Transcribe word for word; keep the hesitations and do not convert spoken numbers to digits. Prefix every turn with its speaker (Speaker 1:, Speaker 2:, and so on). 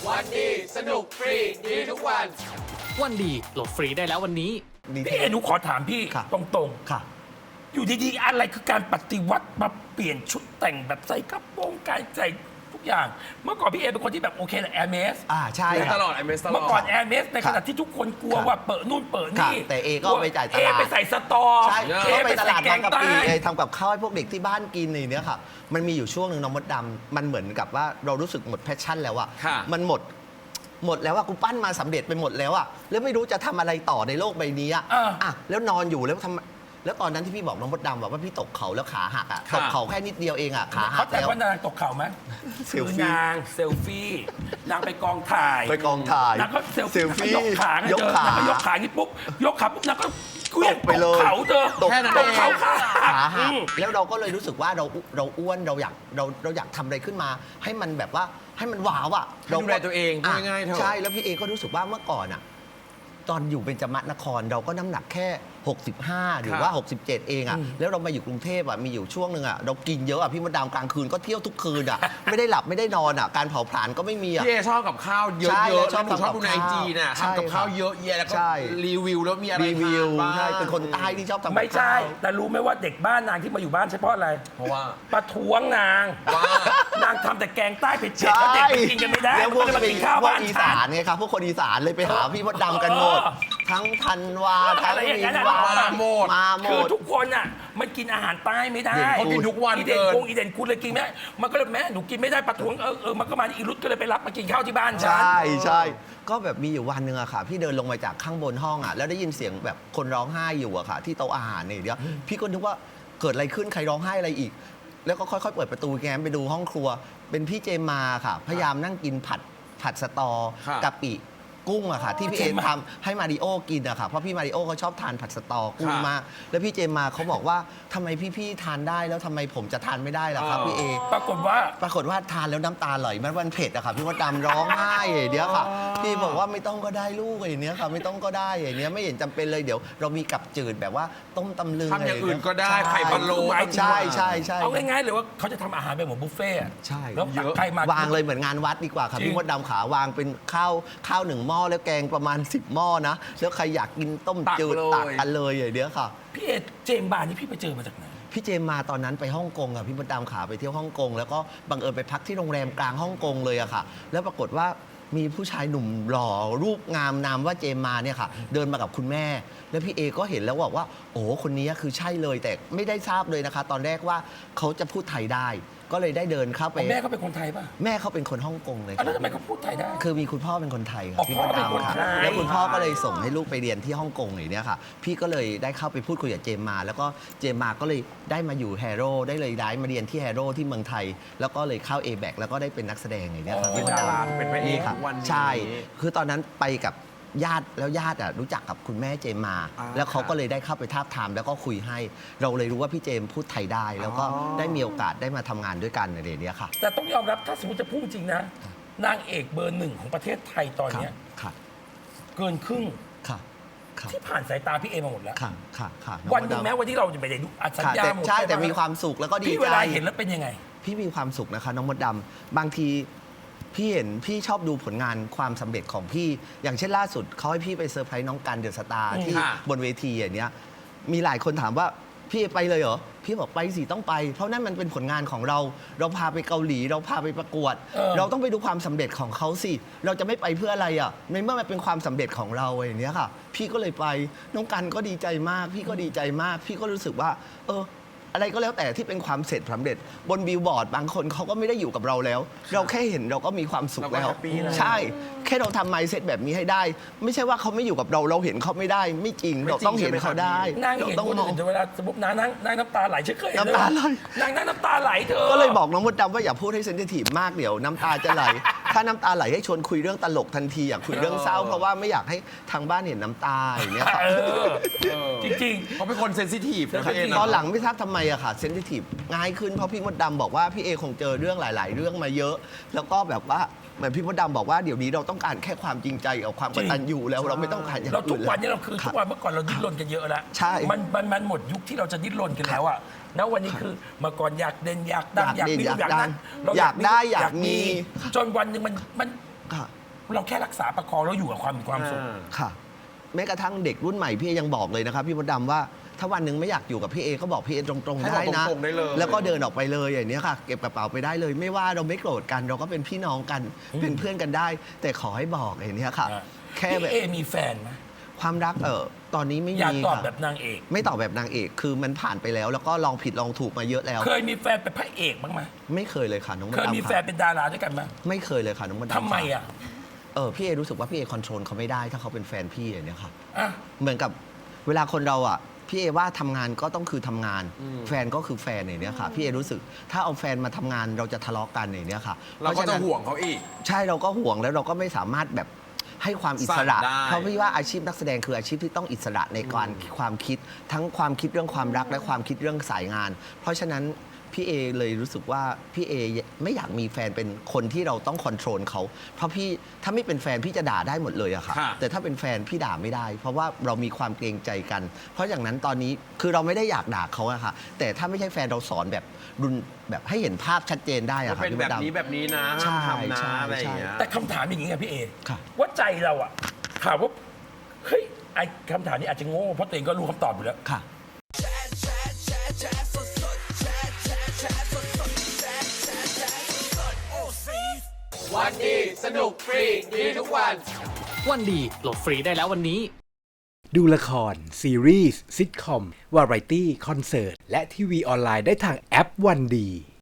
Speaker 1: วันดีสนุกฟรีดีทุกวัน
Speaker 2: วันดีโหลดฟรีได้แล้ววันนี้
Speaker 3: พี่เอหนูขอถามพี่
Speaker 4: ค่ะ
Speaker 3: ตรง
Speaker 4: ค่ะ
Speaker 3: ๆ อยู่ดีๆ อะไรคือการปฏิวัติมาเปลี่ยนชุดแต่งแบบใส่กระโปรงการใส่ทุกอย่าง เมื่อก่อนพี่เอเป็นคนที่แบบโอเคแหละแอร์เมส
Speaker 4: อ่าใช่
Speaker 1: ใช้
Speaker 4: ค่ะ
Speaker 1: ตลอดไอเมสตลอ
Speaker 3: เมื่
Speaker 1: ด
Speaker 3: อก่อนแอร์เมสในขณะที่ทุกคนกลัว
Speaker 4: ครับ
Speaker 3: ว่าเปิดนู่นเปิดนี่
Speaker 4: ครับแต่เอก็เอาไปจ่ายตลาด
Speaker 3: เอไปใส่สตอ
Speaker 4: ใช่
Speaker 3: เอ
Speaker 4: ก็
Speaker 3: ไป
Speaker 4: ไปต
Speaker 3: ใส่
Speaker 4: ลาด
Speaker 3: แก
Speaker 4: บาง
Speaker 3: ง
Speaker 4: กะ
Speaker 3: ใต้
Speaker 4: ปิเอทำกับข้าวให้พวกเด็กที่บ้านกินในเนี้ยค่ะ มันมีอยู่ช่วงหนึ่งน้องมดดำมันเหมือนกับว่าเรารู้สึกหมดแพชชั่นแล้วอะ
Speaker 1: ค่ะ
Speaker 4: มันหมดหมดแล้วว่ากูปั้นมาสำเร็จไปหมดแล้วอะแล้วไม่รู้จะทำอะไรต่อในโลกใบนี้อะ
Speaker 3: เอออ่
Speaker 4: อ่ะแล้วนอนอยู่แล้วทำแล้วตอนนั้นที่พี่บอกน้องมดดำบอกว่าพี่ตกเขาแล้วขาหักอะ
Speaker 1: ค่ะ
Speaker 4: ตกเขาแค่นิดเดียวเองอะขาหั
Speaker 3: เขา
Speaker 4: ก
Speaker 3: แต่
Speaker 4: แล้ว
Speaker 3: ว่านางตกเข่าไหม
Speaker 4: เซ
Speaker 3: คื
Speaker 4: ล
Speaker 3: อ
Speaker 4: ฟี่
Speaker 3: นางเซลฟี่นางไปกองถ่าย
Speaker 4: ไปกองถ่าย
Speaker 3: นางก็เซล
Speaker 4: เซลฟี่
Speaker 3: ฟี่นางก็ยกขาไง
Speaker 4: ยก
Speaker 3: เธอ
Speaker 4: ขา
Speaker 3: นางก็ยกขาอย่างนี้ปุ๊บยกขาปุ๊บนางก็เคลื่อน
Speaker 4: ตกไปเลย
Speaker 3: ตกเขาเธอ
Speaker 4: ตก
Speaker 1: แค่นั้น
Speaker 3: ต
Speaker 1: เอก ง
Speaker 3: เขาขา
Speaker 4: ขา
Speaker 3: อื
Speaker 4: หัก
Speaker 3: ม
Speaker 4: แล้วเราก็เลยรู้สึกว่าเราเราอ้วนเราอยากเราเราอยากทำอะไรขึ้นมา ให้มันแบบว่าให้มันว้าวอ่ะ
Speaker 1: ให้ดูแลตัวเองพูดง่ายๆเถอะ
Speaker 4: ใช่แล้วพี่เอก็รู้สึกว่าเมื่อก่อนอ่ะตอนอยู่เบญจมนครเราก็น้ำหนักแค่ หกสิบห้า หรือว่า หกสิบเจ็ด เองอ่ะแล้วเรามาอยู่กรุงเทพอ่ะมีอยู่ช่วงหนึ่งอ่ะเรากินเยอะอ่ะพี่มดดามกลางคืนก็เที่ยวทุกคืนอ่ะ ไม่ได้หลับไม่ได้นอนอ่ะการเผาผลาญก็ไม่มีอ่ะ
Speaker 1: พี่เอชอบกับข้าวเยอะ
Speaker 4: ใช่
Speaker 1: ๆ
Speaker 4: แล้
Speaker 1: แล้ว ว
Speaker 4: ชอบ
Speaker 1: หนูชอบ
Speaker 4: ทำกับ
Speaker 1: ดูในไอ
Speaker 4: ข้าว
Speaker 1: จีน่ะ
Speaker 4: ใช่
Speaker 1: ทำกับข้าวเยอะแยะแล้วก็
Speaker 4: ใช่
Speaker 1: รีวิวแล้วมีอะไร
Speaker 4: รีวิว
Speaker 1: ทานบ้าง
Speaker 4: ใช่เป็นคนใต้ที่ชอบทำกับ
Speaker 3: ไม่ใช่
Speaker 4: ข้าว
Speaker 3: แต่รู้ไหมว่าเด็กบ้านนางที่มาอยู่บ้านใช่เพราะอะไร
Speaker 1: เพราะว่า
Speaker 3: ประท้วงนาง
Speaker 1: ว่า
Speaker 3: นางทำแต่แกงใต้เผ็ดๆแล้วเด็กไปกินกันไม่ได้
Speaker 4: แล้วพวก
Speaker 3: มันก็เลยมา
Speaker 4: เป็
Speaker 3: กิ
Speaker 4: น
Speaker 3: นข้าว
Speaker 4: พวก
Speaker 3: บ้าน
Speaker 4: อี
Speaker 3: ฉั
Speaker 4: สาน นไงครับพวกคนอีสานเลยไปหาพี่มดดำกันหมด
Speaker 3: เออ
Speaker 4: ทั้งธันวาทั้ง
Speaker 3: อะไรอย่าง
Speaker 4: มิ
Speaker 3: นั้น
Speaker 4: น
Speaker 3: อะ
Speaker 4: วา
Speaker 1: มาหมด
Speaker 4: มาหม
Speaker 3: คือ
Speaker 4: ด
Speaker 3: ทุกคนอ่ะมันกินอาหารใต้ไม่ได้
Speaker 4: เด่น
Speaker 1: เขากินทุกวัน
Speaker 3: อีเด่น
Speaker 1: เกิน
Speaker 3: กงอีเด่นคุณเลยกินไม่ได้มันก็เลยแม่หนูกินไม่ได้ประท้วงเออเออมันก็มาอีรุตก็เลยไปรับมากินข้าวที่บ้านฉัน
Speaker 4: ใช่ใช่ก็แบบมีอยู่วันหนึ่งอะค่ะ พี่เดินลงมาจากข้างบนห้องอะแล้วได้ยินเสียงแบบคนร้องไห้อยู่อะค่ะ ที่โต๊ะอาหารเนี่ยเดี๋ยวพี่ก็นึกว่าเกิดอะไรขึ้นใครร้องไห้อะไรอีก แล้วก็ค่อยๆเปิดประตูแง้มไปดูห้องครัว เป็นพี่เจมมาค่ะ พยายามนั่งกินผัดผัดสตอ
Speaker 1: ค่ะ
Speaker 4: กะปิกุ้งอะค่ะ ที่พี่เอทำให้มาริโอกินอะค่ะเพราะพี่มาริโอเขาชอบทานผัดสตอกุ้งมากแล้วพี่เจมมาเขาบอกว่าทำไมพี่ๆทานได้แล้วทำไมผมจะทานไม่ได้ล่ะครับพี่เอ
Speaker 3: ปรากฏว่า
Speaker 4: ปรากฏว่าทานแล้วน้ำตาไหลมันวันเผ็ดอะค่ะพี่มดดำร้องไห้อย่างเนี้ยค่ะพี่บอกว่าไม่ต้องก็ได้ลูกอย่างเนี้ยค่ะไม่ต้องก็ได้อย่างเนี้ยไม่เห็นจำเป็นเลยเดี๋ยว เรามีกับจืดแบบว่าต้มตำลึง
Speaker 1: ทำอย่างอื่นก็ได้
Speaker 4: ใช่
Speaker 1: ไข่พะโล้
Speaker 4: ใช่ใช่ใช่
Speaker 3: เอาง่ายๆเลยว่าเขาจะทำอาหารเป็นเหมือนบุฟเฟ่ต์อะ
Speaker 4: ใช่
Speaker 3: แล้ว
Speaker 1: เยอะ
Speaker 3: ใครมาว
Speaker 4: างเลยเหมือนงานวัดดีกว่าค่ะ
Speaker 3: จริง
Speaker 4: พี่มดดำขาวางเป็นข้าวข้าวหนึ่งหม้อแล้วแกงประมาณสิบหม้อนะแล้วใครอยากกินต้มจืดตักกันเลยอย่างเนี้ยค่ะ
Speaker 3: พี่เอเจมส์บานนี่พี่ไปเจอมาจากไหน
Speaker 4: พี่เจมมาตอนนั้นไปฮ่องกงอะพี่มดดำขาไปเที่ยวฮ่องกงแล้วก็บังเอิญไปพักที่โรงแรมกลางฮ่องกงเลยอะค่ะ แล้วปรากฏว่ามีผู้ชายหนุ่มหล่อรูปงามนามว่าเจมมาเนี่ยค่ะ เดินมากับคุณแม่ แล้วพี่เอก็เห็นแล้วบอกว่า โอ้คนนี้คือใช่เลยแต่ไม่ได้ทราบเลยนะคะ ตอนแรกว่าเขาจะพูดไทยได้ ก็เลยได้เดินเข้าไป
Speaker 3: แม่เขาเป็นคนไทยป่ะ
Speaker 4: แม่เขาเป็นคนฮ่องกงเลย
Speaker 3: อ่ะ
Speaker 4: ค่ะ
Speaker 3: แล้วทำไมเขาพูดไทยได้
Speaker 4: คือมีคุณพ่อเป็นคนไทยค
Speaker 3: อ๋
Speaker 4: รั
Speaker 3: อบ
Speaker 4: พี่
Speaker 3: พ่
Speaker 4: ม
Speaker 3: อ
Speaker 4: ด
Speaker 3: เป็นคน
Speaker 4: ดำค่ะ
Speaker 3: ไทย
Speaker 4: แล้วคุณพ่อก็เลยส่งให้ลูกไปเรียนที่ฮ่องกงอย่างเนี้ยค่ะ พี่ก็เลยได้เข้าไปพูดคุยกับเจมมา แล้วก็เจมมาก็เลยได้มาอยู่แฮโร่ได้เลยได้มาเรียนที่แฮโร่ที่เมืองไทย แล้วก็เลยเข้า เอ แบค แล้วก็ได้เป็นนักแสดงอย่างเนี้ยค่ะ
Speaker 1: เป็
Speaker 4: พี่
Speaker 1: น
Speaker 4: มด
Speaker 1: ดารา
Speaker 4: ดำ
Speaker 1: เป็นพระเอก
Speaker 4: ค่ะ
Speaker 1: วันนี้
Speaker 4: ใช่ คือตอนนั้นไปกับญาติแล้วญาติอ่ะรู้จักกับคุณแม่เจมมา
Speaker 1: อ่า
Speaker 4: แล้วเขาก็เลยได้เข้าไปทาบทามแล้วก็คุยให้ เราเลยรู้ว่าพี่เจมพูดไทยได้ แล้วก็
Speaker 1: อ๋อ
Speaker 4: ได้มีโอกาสได้มาทำงานด้วยกันในเรื่องนี้ค่ะ
Speaker 3: แต่ต้องยอมรับถ้าสมมติจะพูดจริงนะ นางเอกเบอร์หนึ่งของประเทศไทยตอนเนี้ย
Speaker 4: ค่ะ
Speaker 3: เกินครึ่ง
Speaker 4: ค่ะค่ะ
Speaker 3: ที่ผ่านสายตาพี่เอมาหมดแล้ว
Speaker 4: ค่ะค่ะค่ะ
Speaker 3: วันหนึ่งแม้วันที่เราจะไปได้ดูอัดสัญ
Speaker 4: ค่ะ
Speaker 3: ญา
Speaker 4: แต่
Speaker 3: หมด
Speaker 4: ใช่แต่
Speaker 3: ไห
Speaker 4: มีความสุขแล้วก็ดี
Speaker 3: พี่
Speaker 4: ใจ
Speaker 3: เวลาเห็นแล้วเป็นยังไง
Speaker 4: พี่มีความสุขนะคะน้องมดดำบางทีพี่เห็นพี่ชอบดูผลงานความสำเร็จของพี่ อย่างเช่นล่าสุดเขาให้พี่ไปเซอร์ไพรส์น้องกันเดอะสตาร์
Speaker 3: อืม
Speaker 4: ที่
Speaker 1: ค่ะ
Speaker 4: บนเวทีอย่างเนี้ยมีหลายคนถามว่าพี่ไปเลยเหรอพี่บอกไปสิต้องไป เพราะนั่นมันเป็นผลงานของเรา เราพาไปเกาหลี เราพาไปประกวด
Speaker 3: เออ
Speaker 4: เราต้องไปดูความสำเร็จของเขาสิ เราจะไม่ไปเพื่ออะไรอ่ะในเมื่อมันเป็นความสำเร็จของเราอย่างเนี้ยค่ะ พี่ก็เลยไปน้องกันก็ดีใจมาก พี่ก็ดีใจมาก พี่ก็รู้สึกว่า เออ อะไรก็แล้วแต่ที่เป็นความเสร็จสำเร็จบนบิลบอร์ดบางคนเขาก็ไม่ได้อยู่กับเราแล้ว เราแค่เห็นเราก็มีความสุข
Speaker 1: เราก็
Speaker 4: แล้ว
Speaker 1: แฮปปี้แล้ว
Speaker 4: ใช่ แค่เราทำไมเซ็ตแบบนี้ให้ได้ ไม่ใช่ว่าเขาไม่อยู่กับเราเราเห็นเขาไม่ได้ ไม่จริง
Speaker 1: ไม่จริง
Speaker 4: เราต้องเห็นเขาได้
Speaker 3: นาง
Speaker 4: เรา
Speaker 3: เห็น
Speaker 4: ต้อง
Speaker 3: คน
Speaker 4: มอง
Speaker 3: อื่นแต่เวลาสมมตินางนั่งนั่งน้ำตาไหลฉันเคยเห็น
Speaker 4: น้ำตาไหล
Speaker 3: นางนั่งน้ำตาไหลเธอ
Speaker 4: ก็เลยบอกน้องมดดำว่าอย่าพูดให้เซนซิทีฟมากเดี๋ยวน้ำตาจะไหล ถ้าน้ำตาไหลให้ชวนคุยเรื่องตลกทันทีอยากคุยเรื่องเศร้าเพราะว่าไม่อยากให้ทางบ้านเห็นน้ำตาอย่างเงี้ยค่ะ
Speaker 3: เออ
Speaker 1: เออ
Speaker 3: จริง
Speaker 1: เขาเป็นคนเซนซิทีฟนะพี่เอนะ
Speaker 4: ตอนหลังไม่ทราบทำไมอะค่ะเซนซิทีฟง่ายขึ้นเพราะพี่มดดำบอกว่าพี่เอคงเจอเรื่องหลาย ๆ เรื่องมาเยอะ แล้วก็แบบว่าเหมือนพี่มดดำบอกว่าเดี๋ยวนี้เราต้องการแค่ความจริงใจกับความกตัญญูแล้วเราไม่ต้องการอย่าง
Speaker 3: เราทุ
Speaker 4: อื่
Speaker 3: ก
Speaker 4: น
Speaker 3: วันนี้
Speaker 4: แล้ว
Speaker 3: เราคือทุกวันเมื่อก่อนเราดิ้นรนกันเยอะแล้ว
Speaker 4: ใช่
Speaker 3: มันมันมันหมดยุคที่เราจะดิ้นรนกันแล้วอะแล้ววันนี้คือเมื่อก่อนอยากเด่นอยากดังอยาก ก
Speaker 4: อายเด่น
Speaker 3: มี
Speaker 4: อยาก
Speaker 3: อยาก
Speaker 4: ดั
Speaker 3: นั้
Speaker 4: ง
Speaker 3: นเร
Speaker 4: อยากได้อยากมี
Speaker 3: จนวันหนึ่งมันมัน
Speaker 4: ค่ะ
Speaker 3: เราแค่รักษาประคองแล้วอยู่กับความมีความสุข
Speaker 4: ค่ะ แม้กระทั่งเด็กรุ่นใหม่พี่เอยังบอกเลยนะครับพี่มดดำว่าถ้าวันหนึ่งไม่อยากอยู่กับพี่เอก็บอกพี่เอตรงๆ
Speaker 1: ให้
Speaker 4: ได้
Speaker 1: บอก
Speaker 4: นะ
Speaker 1: ตรงๆได้เลย
Speaker 4: แล้วก็เดินออกไปเลยอย่างนี้ค่ะ เก็บกระเป๋าไปได้เลย ไม่ว่าเราไม่โกรธกัน เราก็เป็นพี่น้องกัน
Speaker 3: อืม
Speaker 4: เป็นเพื่อนกันได้ แต่ขอให้บอกอย่างนี้ค่ะ
Speaker 3: อ่ะ
Speaker 4: แค่แบ
Speaker 3: พี่
Speaker 4: บ
Speaker 3: เอมีแฟนไหม
Speaker 4: ความรักเออตอนนี้ไม่
Speaker 3: อยาก
Speaker 4: มี
Speaker 3: ตอบ
Speaker 4: ค่ะ
Speaker 3: แบบนางเอก
Speaker 4: ไม่ตอบแบบนางเอก คือมันผ่านไปแล้ว แล้วก็ลองผิดลองถูกมาเยอะแล้ว
Speaker 3: เคยมีแฟนเป็นพระเอกบ้างไหม
Speaker 4: ไม่เคยเลยค่ะน้องมด
Speaker 3: เคย
Speaker 4: ดำ
Speaker 3: มีแฟน
Speaker 4: ค่ะ
Speaker 3: เป็นดาราด้วยกันไหม
Speaker 4: ไม่เคยเลยค่ะน้องมดดำ
Speaker 3: ทำไม
Speaker 4: ค่ะ
Speaker 3: อ่ะ
Speaker 4: เออพี่เอรู้สึกว่าพี่เอคอนโทรลเขาไม่ได้ถ้าเขาเป็นแฟนพี่อย่างเนี้ยค่ะ
Speaker 3: อ่ะ
Speaker 4: เหมือนกับเวลาคนเราอ่ะพี่เอว่าทำงานก็ต้องคือทำงาน แฟนก็คือแฟนอย่างเนี้ยค่ะพี่เอรู้สึกถ้าเอาแฟนมาทำงานเราจะทะเลาะกันอย่างเนี้ยค่ะ
Speaker 1: เราก็
Speaker 4: พ
Speaker 1: จะ
Speaker 4: ฉนั้น
Speaker 1: ห่วงเขาอีก
Speaker 4: ใช่เราก็ห่วงแล้วเราก็ไม่สามารถแบบให้ความอิสระ
Speaker 1: สั่งได้
Speaker 4: เพราะพี่ว่าอาชีพนักแสดงคืออาชีพที่ต้องอิสระในการความคิด ทั้งความคิดเรื่องความรักและความคิดเรื่องสายงาน เพราะฉะนั้นพี่เอเลยรู้สึกว่าพี่เอไม่อยากมีแฟนเป็นคนที่เราต้องคอนโทรลเขาเพราะพี่ถ้าไม่เป็นแฟนพี่จะด่าได้หมดเลยอะค่ะ
Speaker 1: ค่ะ
Speaker 4: แต่ถ้าเป็นแฟนพี่ด่าไม่ได้ เพราะว่าเรามีความเกรงใจกัน เพราะอย่างนั้นตอนนี้คือเราไม่ได้อยากด่าเขาอะค่ะ แต่ถ้าไม่ใช่แฟนเราสอนแบบรุนแบบให้เห็นภาพชัดเจนได้อะ
Speaker 1: ว่า
Speaker 4: ค่ะ
Speaker 1: เป็น
Speaker 4: พี่
Speaker 1: แบบ
Speaker 4: มดดำ
Speaker 1: นี้แบบนี้นะ
Speaker 4: ใช่
Speaker 1: ห้ามทำนะ
Speaker 4: ใช่
Speaker 1: อะไรอย่างเงี้ย
Speaker 3: แต่คำถามอย่างนี้ไงพี่เอ
Speaker 4: ค่ะ
Speaker 3: ว่าใจเราอ่ะถามว่าเฮ้ยไอคำถามนี้อาจจะโง่เพราะตัวเองก็รู้คำตอบอยู่แล้ว
Speaker 4: ค่ะ
Speaker 2: วันดี สนุกฟรี ดีทุกวัน วันดีโหลดฟรีได้แล้ววันนี้
Speaker 5: ดูละคร ซีรีส์ซิทคอม วาไรตี้ คอนเสิร์ต และทีวีออนไลน์ได้ทางแอปวันดี